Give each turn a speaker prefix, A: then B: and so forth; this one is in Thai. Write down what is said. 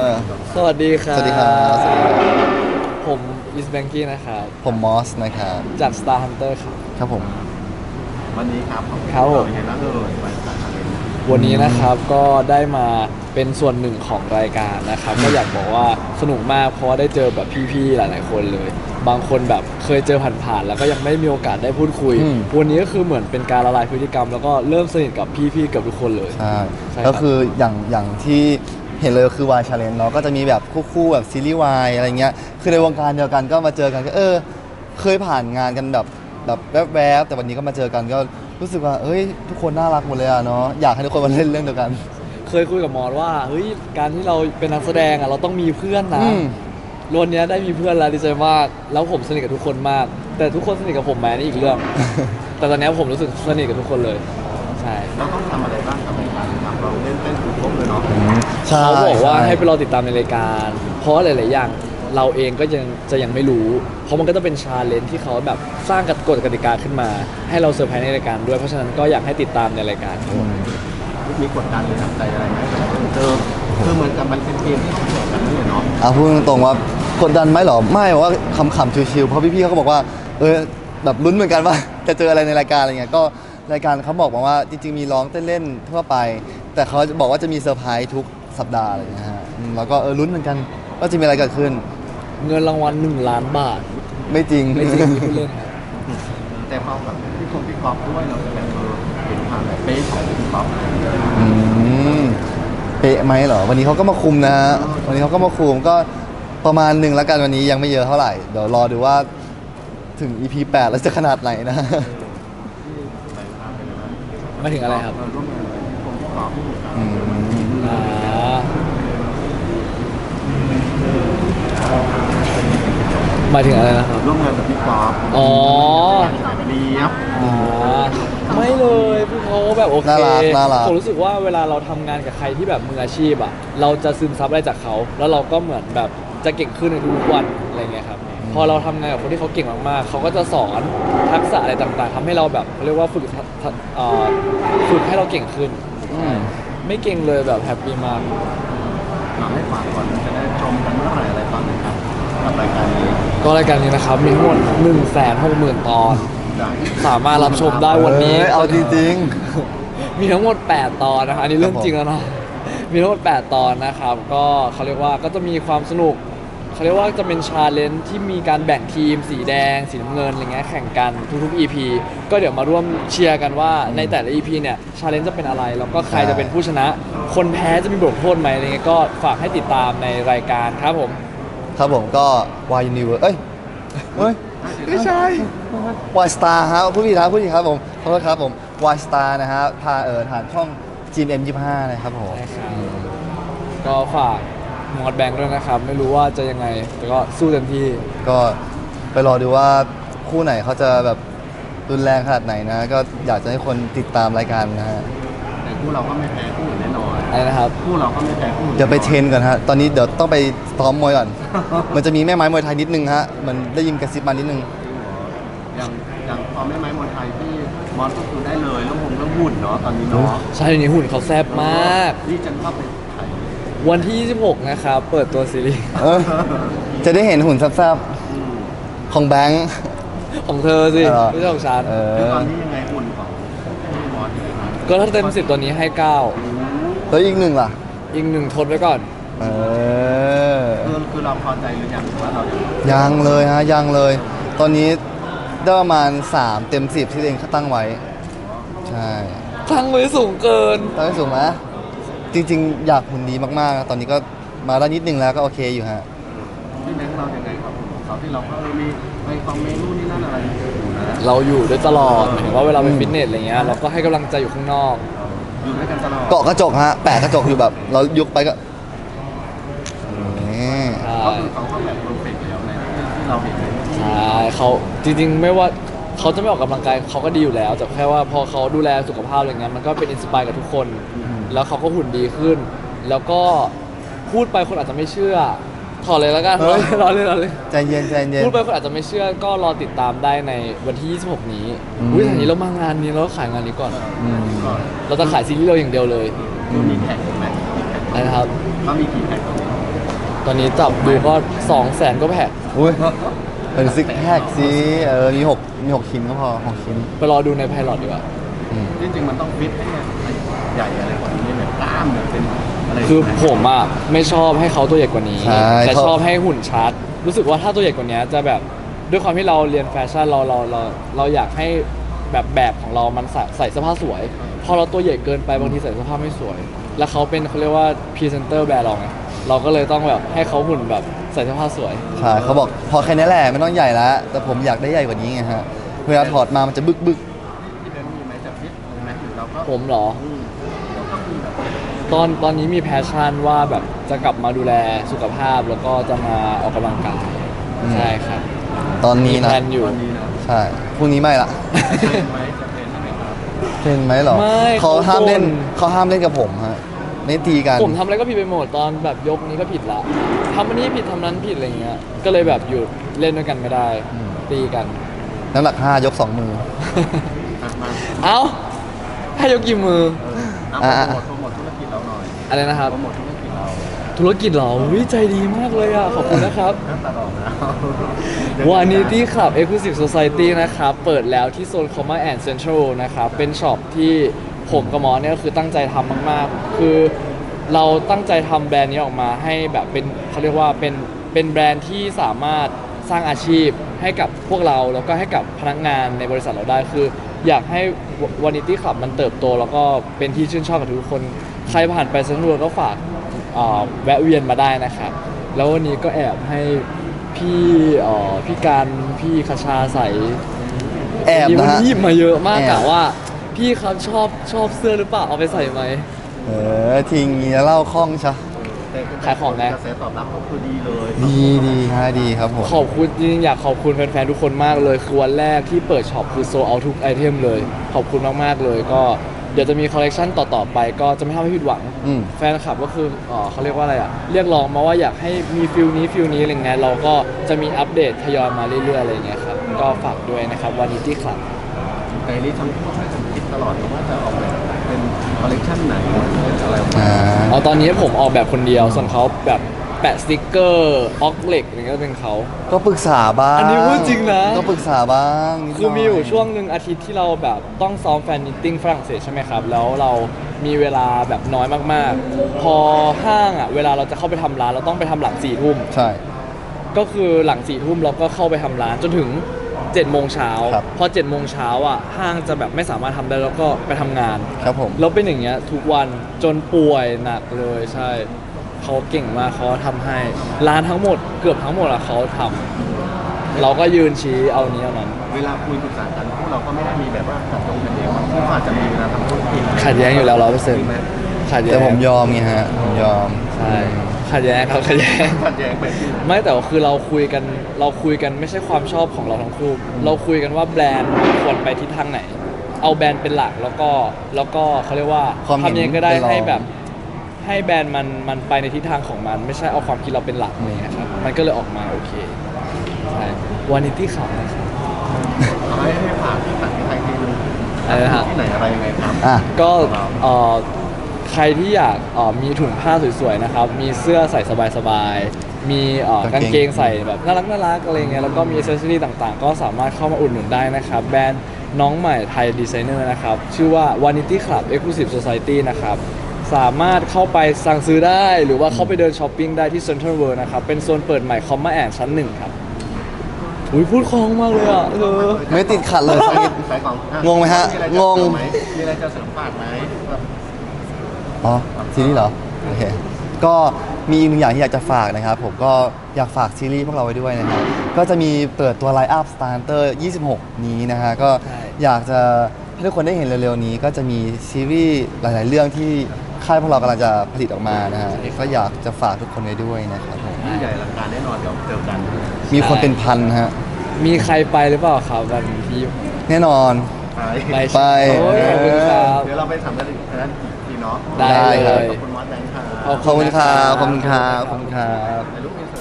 A: สวัสดีครับ
B: สวัสดีครับสวัสดีครับ
A: ผมอิสแบงกี้นะครับ
B: ผมมอสนะครับ
A: จาก Star Hunter ครับ
B: ครับผม
C: วันนี้ครับผม
A: ครับผม
C: เป็นไงบ้างวันสารเลน
A: วันนี้นะครับก็ได้มาเป็นส่วนหนึ่งของรายการนะครับก็อยากบอกว่าสนุกมากเพราะว่าได้เจอแบบพี่ๆหลายๆคนเลย บางคนแบบเคยเจอผ่านๆแล้วก็ยังไม่มีโอกาสได้พูดคุย วันนี้ก็คือเหมือนเป็นการละลายพฤติกรรม แล้วก็เริ่มสนิทกับพี่ๆเกือบทุกคนเลย
B: ใช่
A: ใช่ครับ
B: ก็คืออย่างที่เห็นเลยคือวายชาเลนจ์เนาะก็จะมีแบบคู่แบบซีรีส์วายอะไรเงี้ยคือในวงการเดียวกันก็มาเจอกันก็เคยผ่านงานกันแบบแวบๆแต่วันนี้ก็มาเจอกันก็รู้สึกว่าเอ้ยทุกคนน่ารักหมดเลยอะเนาะอยากให้ทุกคนมาเล่นเรื่องเดียวกัน
A: เคยคุยกับมอสว่าเฮ้ยการที่เราเป็นนักแสดงอ่ะเราต้องมีเพื่อนนะ
B: อืม
A: วันนี้ได้มีเพื่อนแล้วดีใจมาก แล้วผมสนิทกับทุกคนมาก แต่ทุกคนสนิทกับผมไหมนี่อีกเรื่อง แต่ตอนนี้ผมรู้สึกสนิทกับทุกคนเลยใช่
C: เราต้องทำอะไรบ้างกับรายการครับเราเล่นเต้นถูกครบเลยเนาะ
B: ใช่
A: เขาบอกว่า
B: ช่
A: ให้ไปรอติดตามในรายการ เพราะหลาย ๆ อย่างเราเองก็ยังไม่รู้ เพราะมันก็จะเป็นชาเลนจ์ที่เขาแบบสร้างกฎกติกาขึ้นมา ให้เราเซอร์ไพรส์ในรายการด้วย เพราะฉะนั้นก็อยากให้ติดตามในรายการครับ
C: มีกดดันหรือทำใจอะไรไหมคือเหมือนกับมันเป็นเกมที่ต้องแข่งกันนี่เนาะ
B: พูดตรงๆว่ากดดันไหมเหรอไม่ว่าขำๆชิวๆเพราะพี่ๆเขาก็บอกว่าแบบลุ้นเหมือนกันว่า จะเจออะไรในรายการอะไรเงี้ยก็รายการเขาบอกมาว่าจริงๆมีร้องเต้นเล่นทั่วไป แต่เขาบอกว่าจะมีเซอร์ไพรส์ทุกสัปดาห์อะไรเงี้ยฮะแล้วก็ลุ้นเหมือนกันว่าจะมีอะไรเกิดขึ้น
A: เงินรางวัล1 ล้านบาท
B: ไม่จริง
A: ไม่จริงที่พูดเล่นครับ
C: แต่พอกับพี่กอล์ฟด้วยเราจะแบบเห็นความแบบเป๊ะของพี่กอล์ฟอะไรอย่างเงี้ย
B: อืมเป๊ะไหมเหรอวันนี้เขาก็มาคุมนะฮะวันนี้เขาก็มาคุมก็ประมาณหนึ่งแล้วกันวันนี้ยังไม่เยอะเท่าไหร่เดี๋ยวรอดูว่าถึง EP 8 แล้วจะขนาดไหนนะ
A: ไม่ถึงอะไรครับ
C: เราร่วมงานกับพี่กอล์ฟ
B: อืม
A: อ่าหมายถึงอะไรนะครับ
C: ร่วมงานกับพี่กอล์ฟ
A: อ๋อ
C: เรียบ
A: ไม่เลยพี่เขาแบบโอเค
B: น่ารัก
A: ผมรู้สึกว่าเวลาเราทำงานกับใครที่แบบมืออาชีพอ่ะเราจะซึมซับอะไรจากเขา แล้วเราก็เหมือนแบบจะเก่งขึ้นในทุกๆวันอะไรเงี้ยครับพอเราทำงานกับคนที่เขาเก่งมากๆเขาก็จะสอนทักษะอะไรต่างๆทำให้เราแบบเขาเรียกว่าฝึกให้เราเก่งขึ้น
B: อืม
A: ไม่เก่งเลยแบบแฮปปี้มาก
C: มาให้ฝากก่อนจะได้ชมกันเมื่อไหร่อะไรตอนไหนครับกับรายการนี้
A: ก็รายการนี้นะครับมีทั้งหมด160,000 ตอน
C: ได้
A: สามารถรับชมได้วันนี้
B: เอาจริง
A: มีทั้งหมด 8 ตอนนะครับอันนี้เรื่องจริงแล้วเนาะมีทั้งหมด 8 ตอนนะครับก็เขาเรียกว่าก็จะมีความสนุกเขาเรียกว่าจะเป็นชาเลนจ์ที่มีการแบ่งทีมสีแดงสีน้ำเงินอะไรเงี้ยแข่งกันทุกๆ EP ก็เดี๋ยวมาร่วมเชียร์กันว่าในแต่ละ EP เนี่ยชาเลนจ์จะเป็นอะไรแล้วก็ใครจะเป็นผู้ชนะ คนแพ้จะมีบทลงโทษไหมอะไรเงี้ยก็ฝากให้ติดตามในรายการครับผม
B: ๆ ครับผมก็ Y Universe เฮ้ยไม่ใช่ Y Star ฮะผู้ผิดครับผมขอโทษครับผม Y Star นะฮะพาผ่านช่อง GMM25 นะครับผม
A: ใช่ครับก็ฝากมอดแบงค์ด้วยนะครับ ไม่รู้ว่าจะยังไง แต่ก็สู้เต็มที่
B: ก็ไปรอดูว่าคู่ไหนเขาจะแบบรุนแรงขนาดไหนนะ ก็อยากจะให้คนติดตามรายการนะฮะ
C: แต่คู่เราก็ไม่แพ้คู่อื่นแน่นอน
A: อะไรนะครับ
C: คู่เราก็ไม่แพ้คู่อื่น
B: เดี๋ยวไปเทรนก่อนฮะ ตอนนี้เดี๋ยวต้องไปซ้อมมวยก่อน มันจะมีแม่ไม้มวยไทยนิดนึงฮะ มันได้ยินกระซิบมานิดนึง
C: อย่างพอแม่ไม้มวยไทยที่มอสก็คือได้เลยเรื่องหุ่นเนาะตอนนี้เนาะ
A: ใช่เดี๋ยวนี้หุ่นเขาแซ่บมาก
C: นี่จะเข้าไปถ่าย
A: วันที่ 26 นะครับ เปิดตัวซีรีส์
B: เออจะได้เห็นหุ่นแซ่บๆของแบงค์
A: ของเธอสิ
B: เหรอ
A: ไม่ใช่ของฉัน
C: คือตอนนี้ยังไงหุ่นของพี่มอสยังไงบ้าง
A: ก็ถ้าเต็ม 10 ตัวนี้ให้
B: แล้วอีกหนึ่งล่ะ
A: 9 อีก 1 ทดไว้ก่อน
B: เออ
C: คือเราพอใจหรือยังหรือว่าเรายัง
B: ยังเลยฮะ ยังเลย ตอนนี้ได้ประมาณ 3 เต็ม 10 ที่ตัวเองตั้งไว้ ใช่
A: ทั้งไว้สูงเกิน
B: ตั้งไว้สูงไหมจริง ๆ อยากหุ่นดีมากๆนะตอนนี้ก็มาได้นิดนึงแล้วก็โอเคอยู่ฮะ
C: พี่แบงค์เรายังไงครับเขาที่เราก็มีไปคอมเมนต์นู่นนี่นั่นอะไรอยู่นะ
A: เราอยู่ด้วยตลอดหมายถึงว่าเวลาไปฟิตเนสอะไรเงี้ยเราก็ให้กำลังใจอยู่ข้างนอก
C: อยู่ด้วยกันตลอด
B: เกาะกระจกฮะ แปะกระจกอยู่แบบ เรายกไปก็นี่
A: ใช่
C: ก็คือเขาก็แบบเพอร์เฟกต์แล้วในที่เราเห็น
A: ใช่เขาจริงๆไม่ว่าเขาจะไม่ออกกำลังกายเขาก็ดีอยู่แล้วแต่แค่ว่าพอเขาดูแลสุขภาพอะไรเงี้ยมันก็เป็นอินสปายกับทุกคน แล้วเขาก็หุ่นดีขึ้น แล้วก็พูดไปคนอาจจะไม่เชื่อถอดเลยแล้วกัน
B: เฮ้ย
A: รอเลยรอเลย
B: ใจเย็นใจเย็น
A: พูดไปคนอาจจะไม่เชื่อก็รอติดตามได้ในวันที่ 26 นี้
B: อืม
A: อุ้ยทีนี้เรามางานนี้เราก็ขายงานนี้ก่อน
B: อืม
C: ก่อน
A: เราจะขายซีรีส์เราอย่างเดียวเลย
C: คือมีแท็กไหมมีแท็ก
A: นะครับ
C: ก็มีกี่แท็กตรงนี้
A: ตอนนี้จับดูก็200,000ก็แพ็ค
B: อุ้ยเป็นซิกแพคสิมีหกชิ้นก็พอ6 ชิ้น
A: ไปรอดูในไพลอตดีกว่า
B: อืม
C: จริงๆมันต้องฟิตให้ใหญ่อะไรกว่านี้แบบกล้ามแบบเป็นอะไร
A: คือผมอ่ะไม่ชอบให้เขาตัวใหญ่กว่านี้
B: ใช่
A: แต่ชอบให้หุ่นชัด รู้สึกว่าถ้าตัวใหญ่กว่านี้จะแบบด้วยความที่เราเรียนแฟชั่นเราอยากให้แบบของเรามันใส่เสื้อผ้าสวย พอเราตัวใหญ่เกินไปบางทีใส่เสื้อผ้าไม่สวย แล้วเขาเป็นเขาเรียกว่าพรีเซนเตอร์แบรนด์เราไงเราก็เลยต้องแบบให้เขาหุ่นแบบใส่เสื้อผ้าสวย
B: ใช่เขาบอกพอแค่นี้แหละไม่ต้องใหญ่แล้วแต่ผมอยากได้ใหญ่กว่านี้ไงฮะเวลาถอดมามันจะบึก
C: ที่เดินมีไหมจะฟิตไหมหรือเราก็
A: ผมเหรอ
C: เราก็มีแบบ
A: ตอนนี้มีแพชชั่นว่าแบบจะกลับมาดูแลสุขภาพแล้วก็จะมาออกกำลังกายใช่ครับ
B: ตอนนี้
A: มี
B: นะ
A: แพลนอยู่
C: ตอนนี้นะ
B: ใช่พรุ่งนี้ไม่ละ
C: เทรนไหมจะเทรนใช่ไหมครับ
B: เห็นไหมเหรอ
A: ไม่
B: เขาห้ามเล่น
A: เขาบ่น
B: เขาห้ามเล่นกับผมฮะไม่ตีกัน
A: ผมทำอะไรก็ผิดไปหมดตอนแบบยกนี้ก็ผิดละทำอันนี้ผิดทำนั้นผิดอะไรเงี้ยก็เลยแบบหยุดเล่นด้วยกันไม่ได้
B: อืม
A: ตีกัน
B: น้ำหนัก5ยก 2 มือ
C: อ่ะมา
A: เอ้าให้ยกกี่มือ
C: เอาโปรโมทธุรกิจเราหน่อย
A: อะไรนะครับ
C: โปรโมทธุรกิจเรา
A: ธุรกิจเหรอวิใจดีมากเลยอ่ะ ขอบคุณนะครับ
C: น้ำตาดอกนะ
A: Vanity Club Exclusive Society นะครับ เปิดแล้วที่โซน Comma and Central นะครับ เป็นช็อปที่ผมกับหมอเนี่ยก็คือตั้งใจทำมาก ๆ คือเราตั้งใจทำแบรนด์นี้ออกมาให้แบบเป็นเขาเรียกว่าเป็นแบรนด์ที่สามารถสร้างอาชีพให้กับพวกเราแล้วก็ให้กับพนักงานในบริษัทเราได้ คืออยากให้ Vanity Club มันเติบโต แล้วก็เป็นที่ชื่นชอบกับทุกคน ใครผ่านไปเซ็นทรัลก็ฝากแวะเวียนมาได้นะครับ แล้ววันนี้ก็แอบให้พี่การพี่คชาใส่
B: แอบนะฮะ
A: หยิบมาเยอะมาก
B: แอบ
A: กะว่า พี่ครับชอบเสื้อหรือเปล่าเอาไปใส่ไหม
B: ทิ้งเงี้ยเล่าคล่องชะ
A: ขายของไง
C: กระแสตอบรับก็คือดีเลย
B: ดีฮะดีครับผม
A: ขอบคุณจริงๆอยากขอบคุณแฟนๆทุกคนมากเลย คือวันแรกที่เปิดช็อปคือโซเอาทุกไอเทมเลย ขอบคุณมากๆเลยก็เดี๋ยวจะมีคอลเลกชันต่อๆไป ก็จะไม่ทำให้ผิดหวัง
B: อืม
A: แฟนคลับก็คือเขาเรียกว่าอะไรอ่ะ เรียกร้องมาว่าอยากให้มีฟิลนี้อะไรเงี้ยเราก็จะมีอัปเดตทยอยมาเรื่อยๆอะไรเงี้ยครับก็ฝากด้วยนะครับวันนี้ที่คลับ
C: ไกด์นี่ทำช่วยกันคิดตลอดว่าจะออกแบบเป็นคอลเลคชันไหนเป็นอะไรออกมา
B: อ่า
A: ตอนนี้ผมออกแบบคนเดียวส่วนเขาแบบแปะสติกเกอร์ออกเหล็กอะไรเงี้ยก็เป็นเขา
B: ก็ปรึกษาบ้าง
A: อันนี้พูดจริงนะ
B: ก็ปรึกษาบ้างนิดหน่
A: คือมีอยู่ช่วงหนึ่งอาทิตย์ที่เราแบบต้องซ้อมแฟนมิทติ้งฝรั่งเศสใช่ไหมครับ แล้วเรามีเวลาแบบน้อยมากๆ พอห้างอ่ะเวลาเราจะเข้าไปทำร้านเราต้องไปทำหลัง4 ทุ่ม
B: ใช่
A: ก็คือหลัง4 ทุ่มเราก็เข้าไปทำร้านจนถึง7 โมงเช้า
B: ครับ
A: พอ7 โมงเช้าอ่ะห้างจะแบบไม่สามารถทำได้แล้วก็ไปทำงาน
B: ครับผม
A: แล้วเป็นอย่างเงี้ยทุกวันจนป่วยหนักเลยใช่เขาเก่งมากเขาทำให้ร้านทั้งหมดเกือบทั้งหมดอะเขาทำเราก็ยืนชี้เอานี้เอานั้น
C: เวลาคุยปรึกษากันพวกเราก็ไม่ได้มีแบบว่าขัดตรงกันเองที่เขาอาจจะมีเวลาทำธุรกิจ
A: ขัดแย้งอยู่แล้ว100%
C: มีไหม
A: ขัดแย้
B: แต่
A: ง
B: ผมยอมไงฮะผมยอม
A: ใช่ขัดแย้งครับขัดแย้ง
C: ขัดแย้งไปที่
A: ไม่แต่ว่าคือเราคุยกันไม่ใช่ความชอบของเราทั้งคู่เราคุยกันว่าแบรนด์ควรไปทิศทางไหน เอาแบรนด์เป็นหลักแล้วก็เขาเรียกว่า
B: ความเห็น
A: ทำยังไงก็ได้
B: เป็นรอง
A: ให้แบบให้แบรนด์มันไปในทิศทางของมัน ไม่ใช่เอาความคิดเราเป็นหลักอะไรเงี้ยครับมันก็เลยออกมาโอเคใช่วานิตี้ข่าวนะครับ
C: เอาให้ฝากที่ต่างที่ไทยที่นึง
A: อะไรนะฮะ
C: ที่ไหนอะไรยังไงครับ
B: อ่ะ
A: ก็ใครที่อยากมีถุงผ้าสวยๆนะครับ มีเสื้อใส่สบายๆ มีกางเกงใส่แบบน่ารักอะไรเงี้ย แล้วก็มีอิเซอรี่ต่างๆ ก็สามารถเข้ามาอุดหนุนได้นะครับ แบรนด์น้องใหม่ไทยดีไซเนอร์นะครับ ชื่อว่า Vanity Club Exclusive Society นะครับ สามารถเข้าไปสั่งซื้อได้ หรือว่าเข้าไปเดินช้อปปิ้งได้ที่ Central World นะครับ เป็นโซนเปิดใหม่คอมมาแอนชั้น 1 ครับ อุ้ยพูดคล่องมากเลยอ่ะ
B: ไม่ติดขัดเลยสักนิด
C: ขายของอ่
B: งงไหมฮะ
C: มีอะไรจ
B: งง
C: เสริมไหมมีอะไรจะเสริมฝากไหม
B: อ๋อซีรีส์เหรอโอเคก็มีอีกหนึ่งอย่างที่อยากจะฝากนะครับ ผมก็อยากฝากซีรีส์พวกเราไว้ด้วยนะครับก็จะมีเปิดตัวไลน์อัพ Starter 26 นี้นะฮะก็
A: ใช่
B: อยากจะให้ทุกคนได้เห็นเร็วๆนี้ ก็จะมีซีรีส์หลายๆเรื่องที่ค่ายพวกเรากำลังจะผลิตออกมานะฮะก็อยากจะฝากทุกคนไว้ด้วยนะครับผม
C: ยิ่งใหญ่อลังการแน่นอนเดี๋ยวเจอกัน
B: มีคนเป็นพันฮะ
A: มีใครไปหรือเปล่าครับวันที่
B: แน่นอน
C: ไป
A: ไป
B: ไป
A: โอ้ยขอบคุณครับ
C: เดี๋ยวเราไปทำกันอีกนั้นอีกทีเนาะ
A: ได้เลย
C: ขอบคุณมอสแบงค์ครับ
B: ขอบคุณครับขอบคุณครับขอบคุณครับ
C: ถ่ายรูปอิน